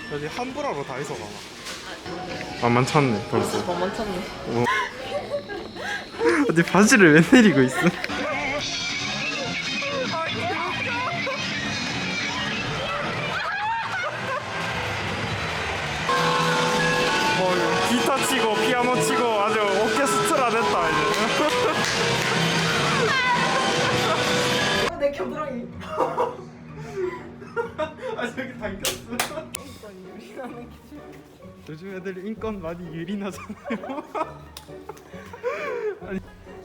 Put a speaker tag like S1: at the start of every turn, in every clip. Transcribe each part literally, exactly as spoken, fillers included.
S1: 여기 함부라로 다이소 가나? 만만 찾네 벌써.
S2: 만만 찾네.
S1: 어. 어디 바지를 왜 내리고 있어? 뭐 기타 치고 피아노 치고 아주 오케스트라 됐다 이제.
S2: 내 겨드랑이.
S1: 아 저기 당겼어. 요즘 애들 인권 많이 유린하잖아요. 아니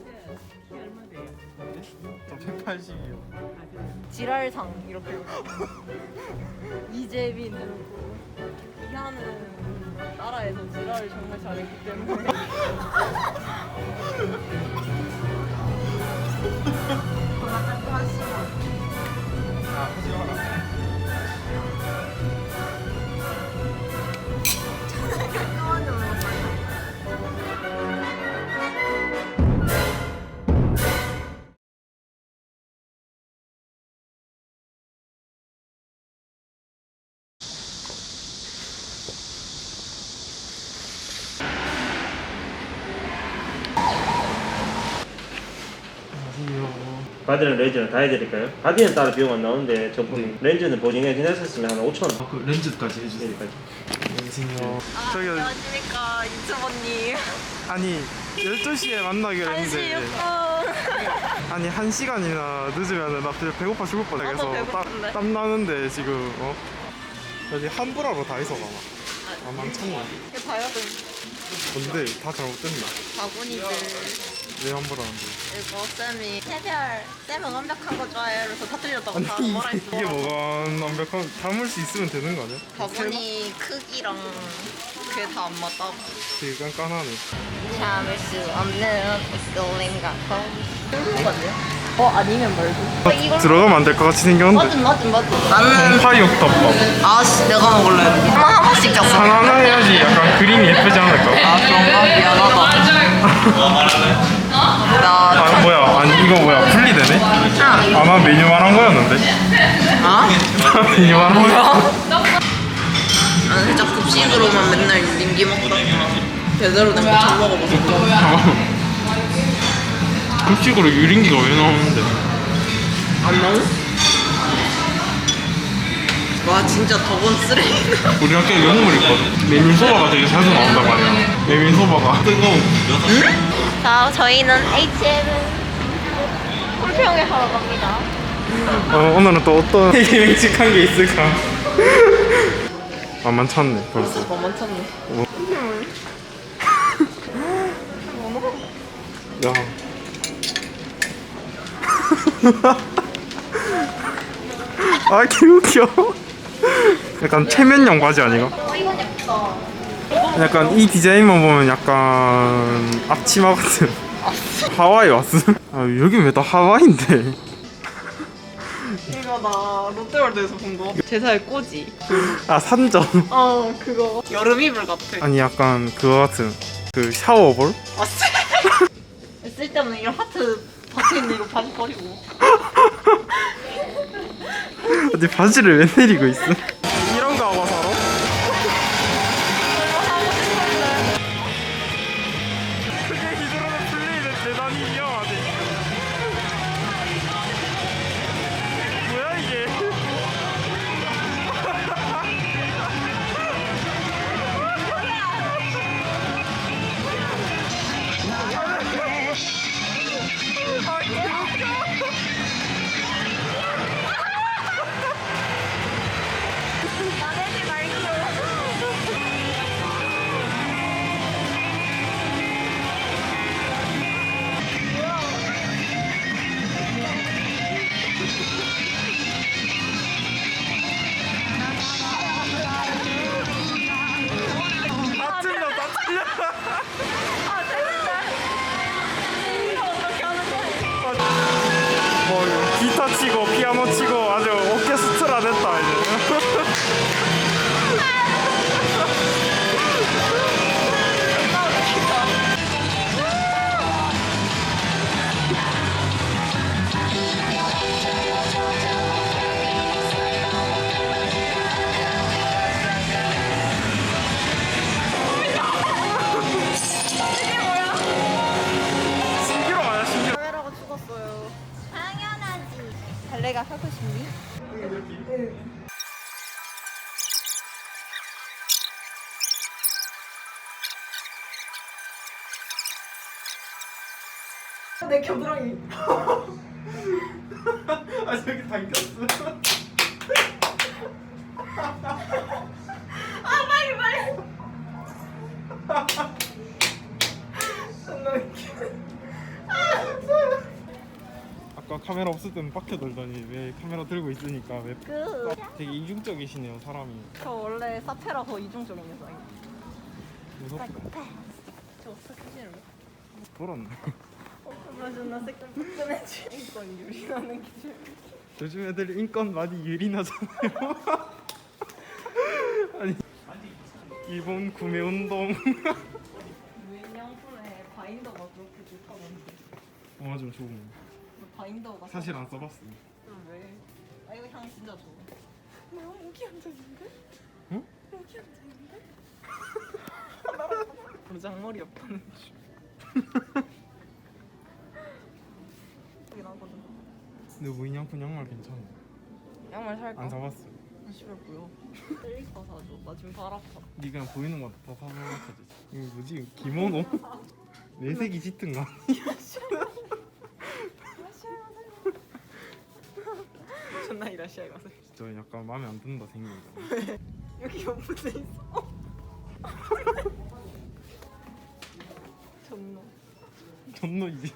S1: 저 백팔십이요.
S2: 지랄상 이렇게. 이재민 해놓고 이하는 나라에서 지랄을 정말 잘했기 때문에.
S1: 아 하지 마라.
S3: 바디랑 렌즈는 다 해드릴까요? 바디는 따로 비용 안 나오는데 정품 렌즈는 보증해 지냈었으면 한 오천 원.
S1: 아, 그 렌즈까지 해주세요.
S3: 여기까지.
S1: 안녕하세요.
S2: 아,
S1: 저기
S2: 안녕하십니까 유튜버님.
S1: 아니 열두 시에 만나기로
S2: 한 시
S1: 했는데
S2: 육 분.
S1: 아니 한 시간이나 늦으면 나 진짜 배고파 죽을 뻔해.
S2: 나도
S1: 그래서
S2: 배고픈데.
S1: 땀 나는데 지금 어? 여기 함부라로 다이소 가나? 아 많잖아.
S2: 이거 봐야 돼.
S1: 뭔데 다 잘못됐나?
S2: 바구니들.
S1: 왜 함부라는데?
S2: 이거 쌤이 세별 쌤은 완벽한 거 좋아해요. 그래서 다 틀렸다고
S1: 아니
S2: 다 뭐라 했어.
S1: 이게 뭐가 완벽한 담을 수 있으면 되는 거 아니야?
S2: 바구니 크기랑 그게 다 안 맞다고.
S1: 되게 깐깐하네.
S2: 참을 수 없는 쏠림 같고. 어 아니면 말고. 이걸
S1: 들어가면 안 될 것 같이 생겼는데.
S2: 맞음 맞음 맞음. 나는
S1: 파이옥덮밥.
S2: 아씨 내가 먹을래. 하나 하나씩 잡고.
S1: 하나하나 해야지 약간 그림이 예쁘지 않을까?
S2: 아 그런가 미안하다. 나
S1: 아 뭐야? 아니 이거 뭐야? 분리되네? 아마 메뉴만 한 거였는데.
S2: 아?
S1: 메뉴만 한 거야?
S2: 나는 살짝 급식으로만 맨날 님기 먹다가 제대로 된 거 처음 먹어봤어.
S1: 급식으로 유린기가 왜 나오는데?
S2: 안 나오? 와 진짜 더군 쓰레기다.
S1: 우리 학교에 영국을 있거든. 메밀소바가 되게 자주 나온단 말이야. 메밀소바가 뜨거운.
S2: 자 저희는 에이치엠 콜평에 하러 갑니다.
S1: 어 오늘은 또 어떤 되게 맹직한 게 있을까? 만만 찾네 벌써.
S2: 너만 찾네.
S1: 어. 야. 아 개웃겨. 약간 체면형 바지 아니가?
S2: 어 이건 예쁘다.
S1: 약간 이 디자인만 보면 약간 앞치마 같은. 하와이 왔어? 아 여기 왜 다 하와이인데?
S2: 이거 나 롯데월드에서 본 거. 제사의 꼬지.
S1: 아 산점.
S2: 어 그거. 여름 이불 같아.
S1: 아니 약간 그거 같은 그 샤워볼?
S2: 아 쓸데없는 이런 하트 박혀있는 이거 바지 버리고.
S1: 어디 바지를 왜 내리고 있어? 이런 거 하고 살아? 크게 휘두르는 플레이는 대단히 위험하지. 뭐야 이게?
S2: 나대지 말고.
S1: 다 틀려 다 틀려.
S2: 아 재밌네. 이거 어떻게 하는 거야?
S1: 뭐 기타 치고 피아노 치고 아주 오케스트라 됐다 이제.
S2: 내 겨드랑이.
S1: 아 저기 당겼어.
S2: 아 빨리 빨리. 존나 웃겨.
S1: 아까 카메라 없을 때는 빡혀 들더니 왜 카메라 들고 있으니까 왜
S2: 그.
S1: 되게 이중적이시네요 사람이.
S2: 저 원래 사페라서 이중적인 녀석이.
S1: 무섭다.
S2: 저 어떻게 하시는 거?
S1: 돌았네.
S2: 나 존나 색깔 푸근해지. 인권 유리하는 기준.
S1: 요즘 애들 인권 많이 유린하잖아요. 아니 일본 구매 운동.
S2: 무인양품에 바인더가 그렇게 좋다던데.
S1: 어 맞아 좋은.
S2: 바인더가
S1: 사실 안 써봤어.
S2: 그럼 왜? 아 이거 향 진짜 좋아. 뭐야 여기 앉아 있는데?
S1: 응?
S2: 여기 앉아 있는데? 부장머리 없다는 줄. 여기 나거든.
S1: 근데 무인양품 양말 괜찮아.
S2: 양말 살까?
S1: 안 사봤어.
S2: 싫어 보여. 셀리퍼 사줘. 나 지금 발 아파.
S1: 니 그냥 보이는 거 다 사먹어야지. 이거 뭐지? 기모노? 내색이 짙은 거 아니야?
S2: 존나 이라시아이 가세.
S1: 진짜 약간 마음에 안 든다 생긴 거.
S2: 여기 옆에 있어. 존나.
S1: 존노 이제.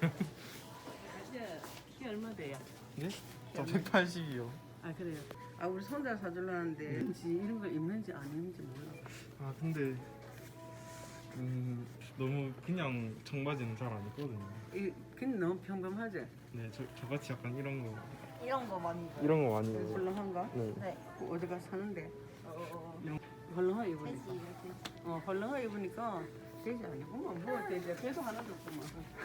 S4: 키 얼마 돼요?
S1: 네? 저 백팔십이요.
S4: 아 그래요. 아 우리 손자 사주려는데 혹시 이런 걸 입는지 안 입는지 몰라.
S1: 아 근데 음 너무 그냥 청바지는 잘 안 입거든요.
S4: 이 그냥 너무 평범하지?
S1: 네, 저 저같이 약간 이런 거
S2: 이런 거 많이 입어.
S1: 이런 거 많이 입어요.
S4: 헐렁한가?
S1: 네.
S2: 네.
S4: 그 어디 가서 사는데
S2: 어.
S4: 헐렁하 입으니까. 어 헐렁하 입으니까 되지 아니구만. 뭐 되지? 그래서 하나도 없구만.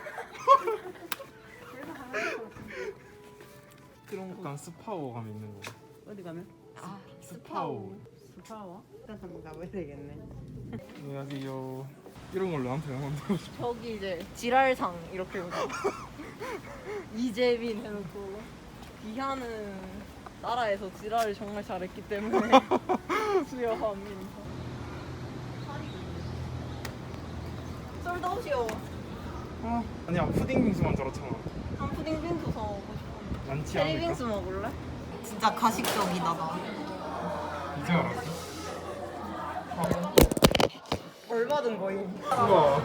S4: 그래서 하나도 없구만.
S2: 그런 거.
S1: 약간 스파오 감 있는 거.
S4: 어디 가면?
S2: 아
S1: 스파오.
S4: 스파워? 일단 한번 가봐야 되겠네.
S1: 안녕하세요. 이런 걸로 한테 만들고 싶어.
S2: 저기 이제 지랄상 이렇게 해놓고 이재민 해놓고 비하는 나라에서 지랄을 정말 잘했기 때문에 수여합니다. 솔드아웃이요.
S1: 어, 아니야 푸딩 빙수만 저렇잖아.
S2: 한 푸딩 빙수 사 먹고 싶어.
S1: 많지
S2: 체리
S1: 않을까?
S2: 빙수 먹을래? 진짜 가식적이다 나.
S1: 이제 알았어.
S2: 뭘 받은 거임?
S1: 우와.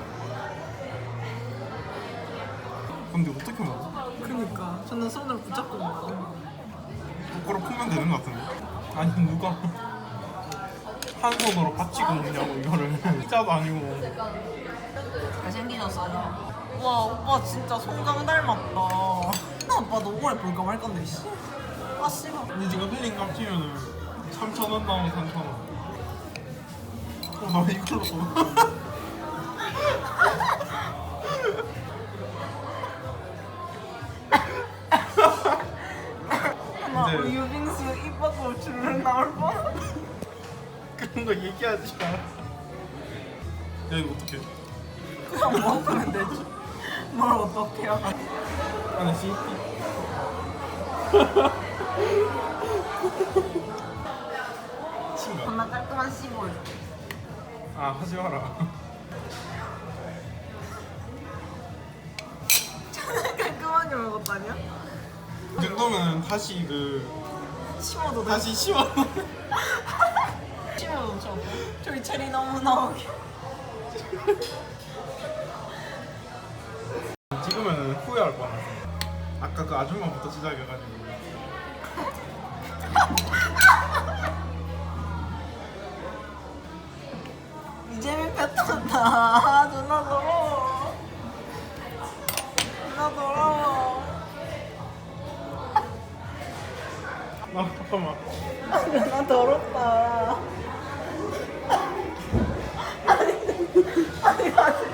S1: 근데 어떻게 먹어?
S2: 그니까 저는 손으로 붙잡고 먹어.
S1: 거꾸로 풀면 되는 거 같은데? 아니 누가 한 손으로 받치고 먹냐고 이거를. 피자도 아니고.
S2: 잘생기셨어요. 와 오빠 진짜 송강 닮았다. 나 오빠 너 오래 볼까 말 건데 씨. 아 싫어.
S1: 근데 지금 힐링 값치면은 삼천 원 나오면 삼천 원. 어, 나 이걸로
S2: 나
S1: 이제-
S2: 우유 빙수 입 밖으로 주르륵 나올 뻔.
S1: 그런 거 얘기하지 마. 야 이거 어떡해?
S2: 그냥 먹으면 되지. 뭘 어떻게 해?
S1: 안에 씨티. 친가.
S2: 존나 깔끔한 시골.
S1: 아 하지 마라.
S2: 깔끔하게 먹었다냐?
S1: 이 정도면 다시 그
S2: 심어도 돼.
S1: 다시 심어.
S2: 심어도 저거. 저기 체리 너무 나오게.
S1: 찍으면 후회할 뻔했어. 아까 그 아줌마부터 시작해가지고.
S2: 이재민 뱉었다. 존나 더러워. 존나 더러워.
S1: 아 잠깐만.
S2: 존나 더럽다. 아니, 아니, 아니.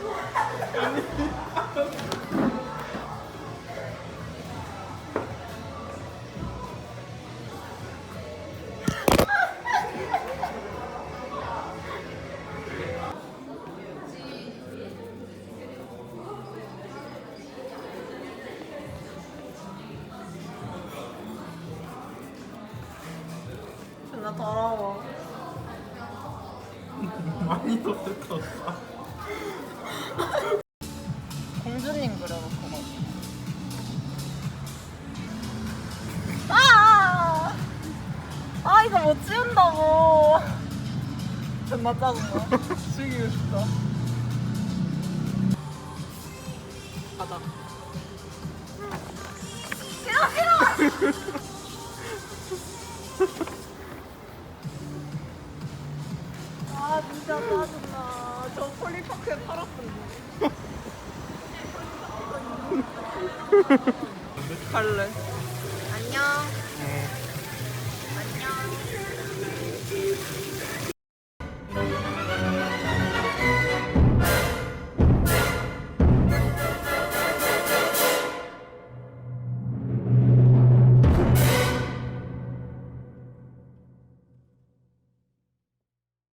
S2: 존나 더러워.
S1: 많이 더 뜯었다.
S2: 공주님 그려놓고 막 만났다고
S4: 죽이고 싶다.
S2: 가자.
S4: 아 진짜 짜증나. 저 폴리파크에 팔았던데.
S2: 갈래. 안녕.